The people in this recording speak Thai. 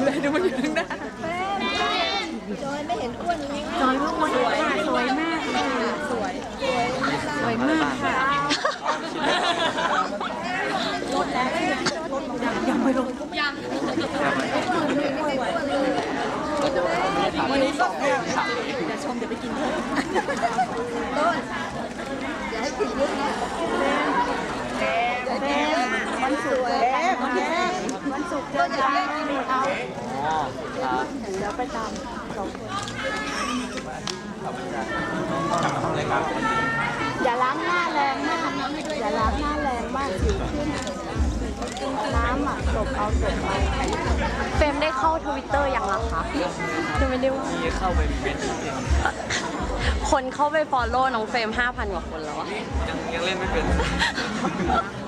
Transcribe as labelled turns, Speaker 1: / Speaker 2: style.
Speaker 1: เลยดูมันอยู่ข้างหน้า
Speaker 2: จอยไม่เห็นอ้วนเลย
Speaker 1: จอยว่าสวยสวยมากค่ะสวยสวยมากค่ะลดแล้วยังไม่ลดยังวันนี้สองเดี๋ยวชมเดี๋ยวไปกินเถอะ
Speaker 2: ต้นอย่าให้ผิดยุคนะแดงวันศุกร์วันศุกร์เจอกันเอา
Speaker 3: อ๋อครับ
Speaker 1: เดี๋ยวไปตามสองคน อย่าล้างหน้าแรงมากอย่าล้างหน้าแรงมากสิวขึ้นน้ำอ่ะตบเอาเฟรมได้เข้าทวิตเตอร์ยังล่ะคะยังไม่ได้ว่า
Speaker 3: มีเข้าไปเป็นเอง
Speaker 1: คนเข้าไปฟอลโล่น้องเฟรม 5,000 กว่าคนแล้วอะ
Speaker 3: ยังเล่นไม่เป็น